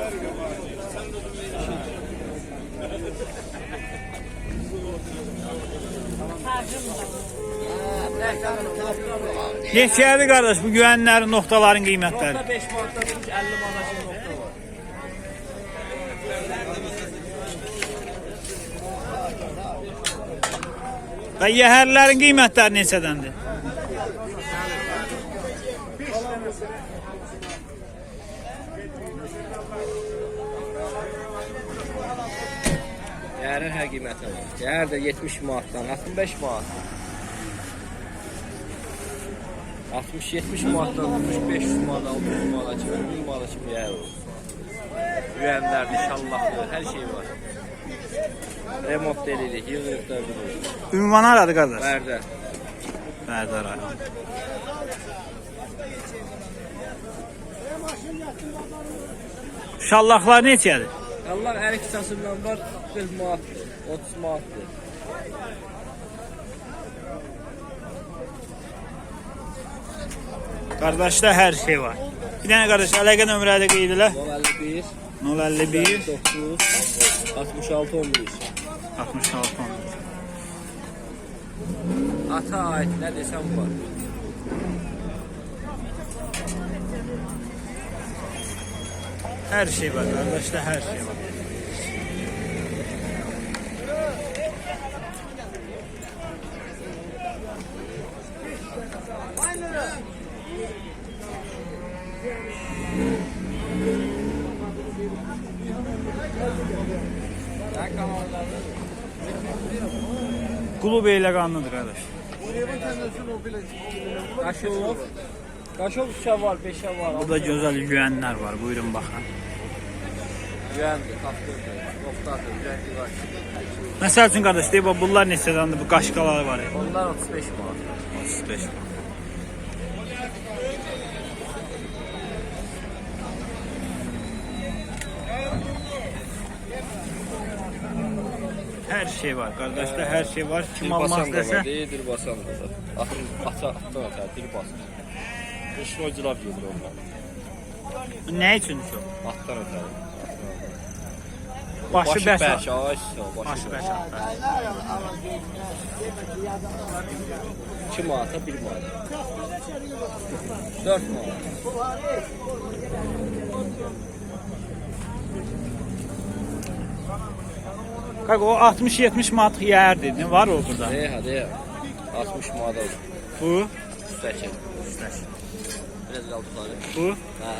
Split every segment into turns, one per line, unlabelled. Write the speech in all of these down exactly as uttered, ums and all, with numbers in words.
Neçədir qardaş bu güvənlərin, noktaların qiymətləri?
Nokta beş manatdan əlli manat nokta var.
Və yəhərlərin qiymətləri neçədəndir?
Yəhərin hər qiyməti var. Yəhər də yetmiş manatdan altmış beş manat. altmış yetmiş manatdan altmış beş manat, altmış manat kimi, min manat kimi yəhər olur. Güvənlər, nişanlaqlar, hər şey var. Remont delilik, yığılıqlar durur.
Ünvan haradır qardaş?
Bərdə.
Bərdə rayon. Şallaqlar neçədir?
Allah hər iki tasımdan var, qırx manatdır, otuz manatdır.
Qardaşda hər şey var. Bir dənə qardaş, əlaqə nömrədə qeyd elə.
nol əlli bir
nol əlli bir
doqquz altmış altı on bir.
altmış altı on bir.
Ata ait nə desəm var.
Hər şey var qardaşda, hər şey var. Qulub elə qanlıdır qardaş.
Qaşov. Qaşov üçə var, beşə var.
Burada gözəl güvənlər var. Buyurun baxın.
Güvəndir, tapdırdır, noktadır, güvəndir var.
Məsəl üçün qardaş, deyib bunlar neçədəndir? Bu qaşqalar var.
Onlar otuz beş manat.
otuz beş manat. Her şey var kardeşler, her şey var. Kim almaz dese.
Dil basan da var. Atın ata atdan atar, dil basan. Qışın o cilab gedir onlar.
Ne için şu?
Atdan atar.
Başı
Başı
beş.
beş, ay
Başı beş.
iki manata bir manat. dört manat.
Kanka o altmış yetmiş manat yer dedin. Var o burada.
Ne hadi altmış manat olur.
Bu.
Üstəki. Üstəki. Biraz qaldı tutarı.
Bu.
Hə.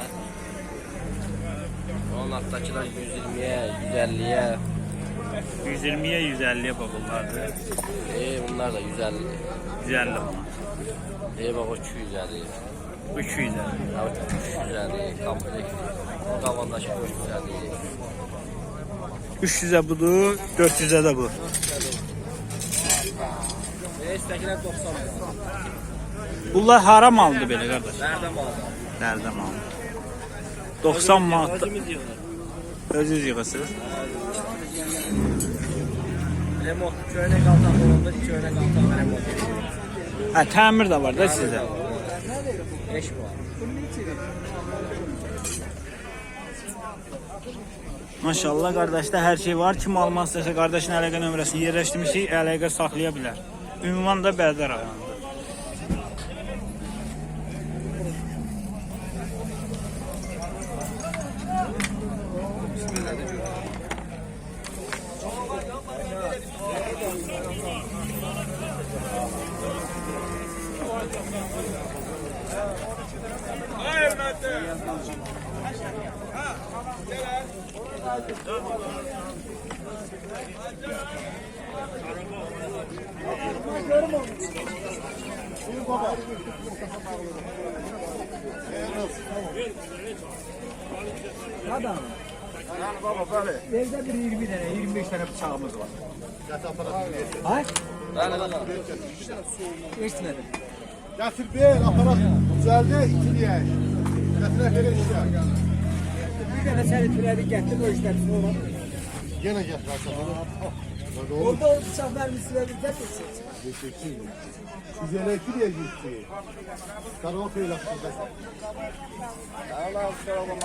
Onun altdakılar yüz iyirmiyə, yüz əlliyə.
yüz iyirmiyə, yüz əlliyə bak bunlardır.
E, bunlar da yüz əlli.
yüz əlli manat.
E, bak o iki yüz əlli.
Bu iki yüz əlli.
Evet, üç yüz əlli. Komplekt. Qavandakı dörd yüz əlli.
üç yüzə budur, dörd yüzə də bu.
E, üstəkilər doxsan manat.
Bunlar haram aldı belə qardaş.
Nerede manat?
Nerede mal? doxsan manat.
Özümüz yığılır.
Özünüz yığırsınız.
Remont, köynək altan olanda köynək altan remont edir.
Ha, təmir də var da sizdə.
beş manat.
Maşallah qardaşda hər şey var. Kim almaq istəsə qardaşın əlaqə nömrəsini yerləşdirmişik, əlaqə saxlaya bilər. Ünvan da Bərdə rayonunda.
Adam.
Yani baba böyle.
Evde bir yirmi tane, yirmi beş tane bıçağımız var. Hay?
Bəli, bəli.
Eşitmedim.
Getir bir aparat düzeldi ikiliye. Getir böyle işler.
Bir tane seni türedi getir o işler sonra.
Gene getir.
Orada o bıçak mermisiyle bir tek geçecek.
Güzel iki diye gitti. Karaoke ile yaptı.
Allah sonra olmaz.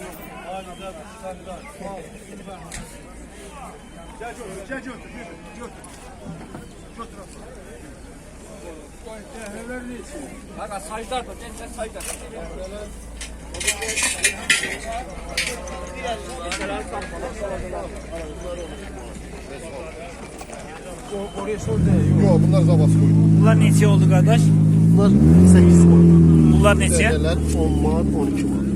Gel götür, gel götür, götür.
Bak saydar da sen saydar.
Oraya sor de.
Yok bunlar zabas koydu.
Bunlar neçə oldu qardaş?
Bunlar sekiz manat.
Bunlar neçə?
Dedeler on manat, on iki manat.